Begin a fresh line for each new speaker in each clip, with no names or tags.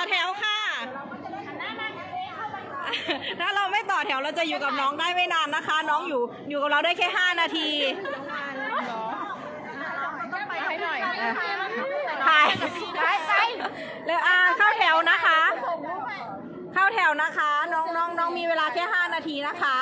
แถวค่ะ ถ้าเราไม่ต่อแถวเราจะอยู่กับน้องได้ไม่นานนะคะ น้องอยู่กับเราได้แค่5 นาทีถ่ายแล้วเข้าแถวนะคะ เข้าแถวนะคะ น้องมีเวลาแค่5 นาทีนะคะ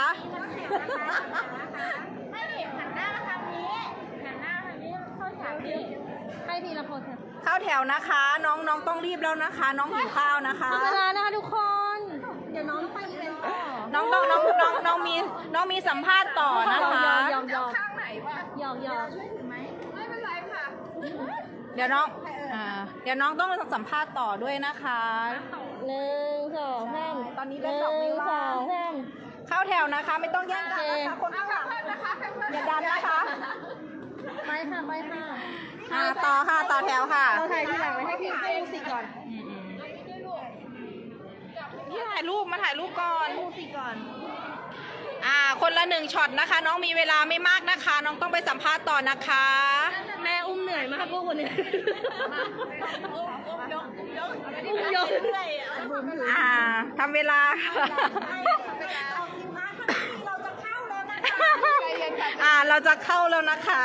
เข้าแถวนะคะ น้องต้องรีบแล้วนะคะ น้องหิวข้าวนะคะ
เวลานะคะทุกคนเดี๋ยวน้องไปอีเวนต์ต่อ
น้องมีสัมภาษณ์ต่อนะคะ
ข้างไหนวะหยอกช่วยถือไหมไม่เป็นไรค่ะ
เดี๋ยวน้องต้องสัมภาษณ์ต่อด้วยนะคะ
1 2 3
ตอนนี้เป็น2
2 3
เข้าแถวนะคะไม่ต้องแย่งกันนะคะคนข้างหลังอย่าดันนะคะ
ไปค่ะ
ต่อค่ะต่อแถวค่ะ
เราถ่ายทีหลังให้พี่ดูสิก่อน
พี่ถ่ายรูปมาถ่ายรูปก่อนคนละ1 ช็อตนะคะ น้องมีเวลาไม่มากนะคะ น้องต้องไปสัมภาษณ์ต่อนะคะ
แม่อุ้มเหนื่อยมากพวกคนนี้ยก
ทำเวลาเราจะเข้าแล้วนะคะ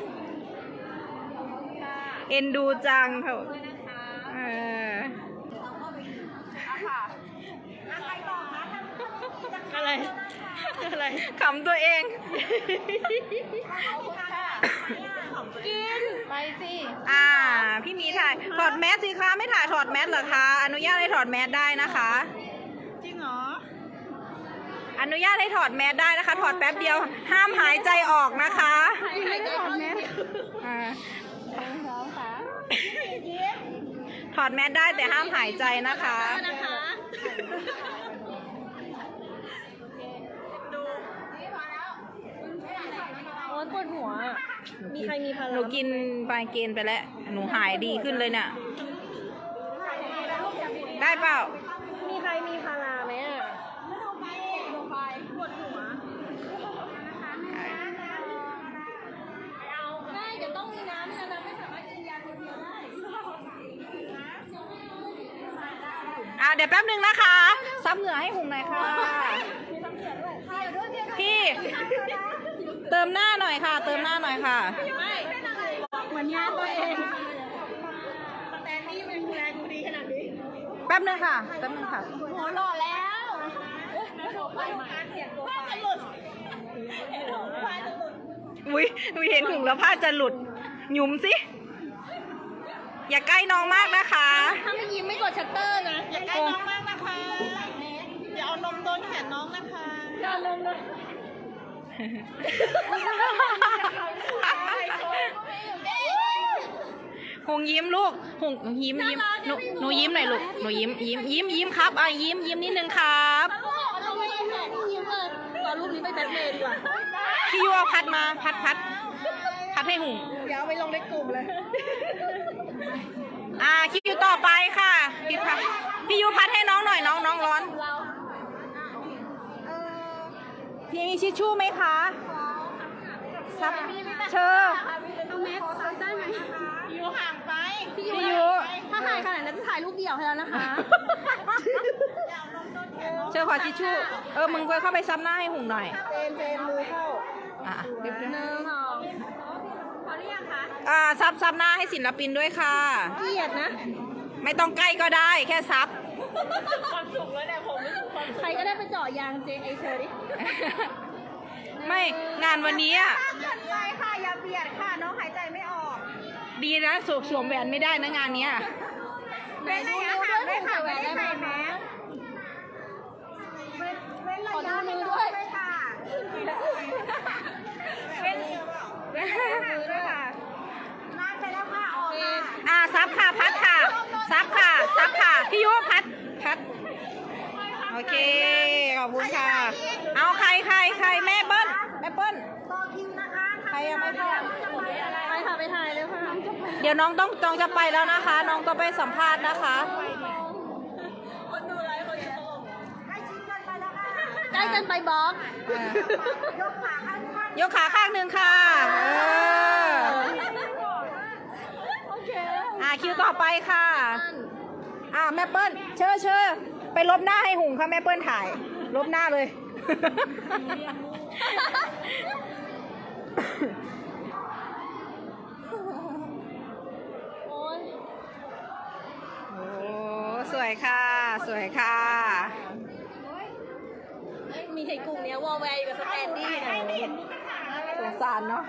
เอ็นดูจังเถอะ
อะไร
ขำตัวเอง
กินไปสิ
พี่มีถ่ายถอดแมสสิคะไม่ถ่ายถอดแมสเหรอคะอนุญาตให้ถอดแมสได้นะคะ
จริงเหรอ
อนุญาตให้ถอดแมสได้นะคะถอดแป๊บเดียวห้ามหายใจออกนะคะ
ถอดแมส
ถอดแมสได้แต่ห้ามหายใจนะคะ
ปวดหัวมีใครมีพลัง
หนูกินไบเกนไปแล้วหนูหายดีขึ้นเลยเนี่ยได้เปล่า
มีใครมีพาราไหมปวดหัวไม่เดี๋ยวต้องมีน้ำนะไม่สามารถกินยาคนเดียวได้
เดี๋ยวแป๊บนึงนะคะซับเหงื่อให้หุ่นหน่อยค่ะพี่เติมหน้าหน่อยค่ะเติมหน้าหน่อยค่ะ
เหมือนญาติตัวเองแต่นี่เป็นดูแลดูดีขนาดนี้
แป๊บนึงค่ะ
หัวหล่อแล้วผ้าจะหลุด
อุ้ยเห็นหุ่นแล้วผ้าจะหลุดหยุมสิอย่าใกล้น้องมากนะคะ
ถ้าไม่ยิ้มไม่กดชัตเตอร์นะ
อย่าใกล้น้องมากนะคะอย่าเอานมโดนแขนน้องนะคะ
อย่าเอานมเลย
หงยิ้มลูกหงยิ้มหนูยิ้มหน่อยลูกหนูยิ้มครับยิ้มนิดนึงครับ
ตอนรูปนี้ไปแบทเมย์ดีกว่า
พี่ยูพัดมาพัดให้หง
เดี๋ยวไปลงในกลุ่มเลย
คิวต่อไปค่ะพี่ยูพัดให้น้องหน่อยน้องร้อนพี่มีชิชชู่ไหมคะซับเชอ
เอาแมสได้ไหม
ยูห่างไป
พี่ยูถ้าถ่ายขนาดนั้นจะถ่ายรูปเดี่ยวให้แล้วนะคะ
เชอขอชิชชู่มึงไปเข้าไปซับหน้าให้หุ่นหน่อย
เจนมือเข้า
เดี๋ยว
1 2พอหรือยัง
คะซับหน้าให้ศิลปินด้วยค่ะ
เกลียดนะ
ไม่ต้องใกล้ก็ได้แค่ซับ
ความสุขแล้วเนี่ยผมไม่สุขใครก็ได้ไปเจาะยางเจไอเชอร์ดิ
ไม่งานวันนี้
ไปค่ะอย่าเบียดค่ะน้องหายใจไม่ออก
ดีนะสวมแหวนไม่ได้นะงานนี้
เป็นระยะห่างด้วยค่ะไม่ได้ใส่แมสขอดูมือด้วยค่ะเป็นมือด้วยค่ะนานไปแล้วค่ะออก
ค่ะซับค่ะพัดค่ะซับค่ะพี่ยุพัดโอเคขอบคุณค่ะเอาใครแม่เปิ้ล
ต่อคิวนะคะ
ใครยังไม่เข้า
ไปค่ะไปถ่ายเลยค่ะ
เดี๋ยวน้องต้องจะไปแล้วนะคะน้องต้องไปสัมภาษณ์นะคะ
คนดูไลฟ์คนชมใกล้ชิดกันไปแล้วค่ะใกล้กันไปบล็อก
ยกขาข้างหนึ่งค่ะ
โอเค
คิวต่อไปค่ะแม่เปิ้ลเชิญไปลบหน้าให้หุงค่ะแม่เปิ้ลถ่าย ลบหน้าเลย
โอ้ย
โอ้สวยค่ะ สวยค่ะ
มีไอ้กลุ่มเนี้ยวอลแวร์อยู่กับสแตนดี้นะ
สงสารเนาะ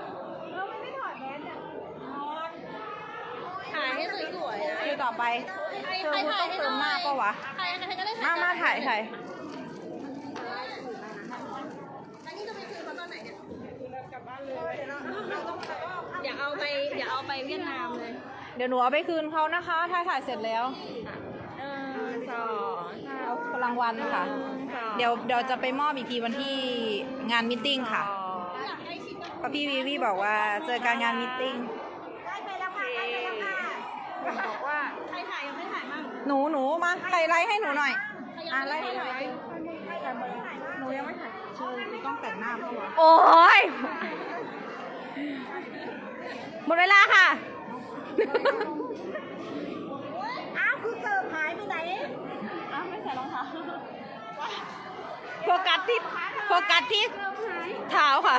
ถ่ายให้สวยๆนะ
คิวต่อไปเธอคุณต้องเติมหน้าปะวะ
ใครก็ได้
มาถ่าย
อันนี้จะไปคืนเขาตอนไหนเนี่ยอย่าเอาไปเวียดนามเลย
เดี๋ยวหนูเอาไปคืนเขานะคะ ถ้าถ่ายเสร็จแล้ว
2
เอารางวัลค่ะ เดี๋ยวจะไปมอบอีกทีวันที่งานมิทติ้งค่ะเพราะพี่วีวีบอกว่าเจอการงานมิทติ้ง บอกว่า
ใครถ่ายยังไม่ถ่ายมั่ง
หนูมาใครไลค์ให้หนูหน่อยไลค์ให้หน่อยหนูยังไม่ถ่ายต้องแต่งหน้าเพราะว่าโอ้ยหมดเวลาค่ะ
อ้าวคือเกิดหายไปไหนอ้าวไม่ใส่รองเท้า
โฟกัสที่เท้าค่ะ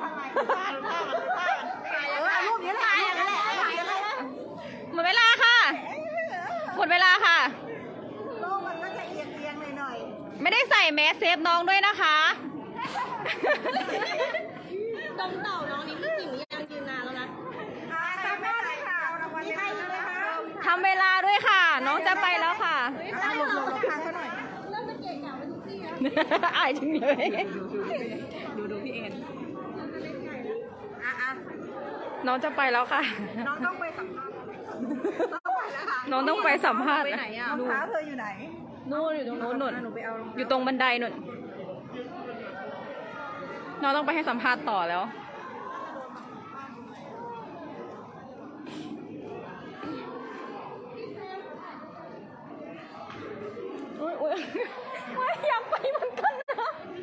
รูปนี้ถ่ายอย่างนั้นแหละ
หมดเวลาค่ะ หมดเวลาค่ะ
โลกมันก็จะเอียงหน่อย
ไม่ได้ใส่แมสเซฟน้องด้วยนะคะ
ดมเต่าน้องนี่พี่จิ๋มยังยืนนานแล้วนะทำไม่ได้ค่ะมีใครอีกไหมคะ
ทำเวลาด้วยค่ะ น้องจะไปแล้วค่ะ
หลบทางเขาหน่อยเริ่มจะเก่งอย่างไปทุกที่แล้ว
อายจังเลย
ดูพี่เอ็น
น้องจะไปแล้วค่ะ
น้องต้องไปสัมภาษณ์
น้องต้องไปสัมภาษณ์
ไปไหนอ่ะรองเท้าเธออยู่ไหน
นู่นอยู่ตรงนู้น
หนูไปเอา
อยู่ตรงบันไดนู่น น้องต้องไปให้สัมภาษณ์ต่อแล้ว อุ้ยไม่อยากไปเหมือนกันนะ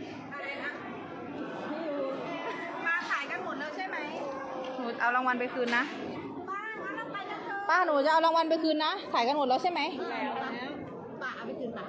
มาขายกันหมดแล้วใช่ไหม
หนูเอารางวัลไปคืนนะ
ป้างั้นเราไปกันเถอะ
ป้าหนูจะเอารางวัลไปคืนนะขายกันหมดแล้วใช่ไหม
แล้วป้าเอาไปคืนป้าร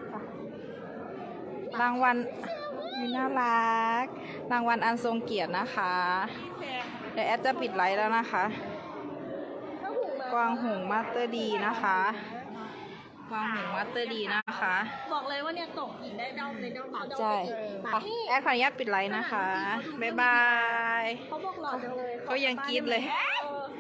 างวัลน่ารัก รางวัลอันทรงเกียรตินะคะ เดี๋ยวแอดจะปิดไลฟ์แล้วนะคะ กวางหงส์มาสเตอร์ดีนะคะ กวางหงส์มาสเตอร์ดีนะคะ
บอกเลยว่าเนี่ยตกอีกได้เดาเลยเดา
ใช่ไปแอดขออนุญาตปิดไลฟ์นะคะ บ๊ายบาย
เขาบอกหล่อจังเลย
เขายังกรี๊ดเลย
เ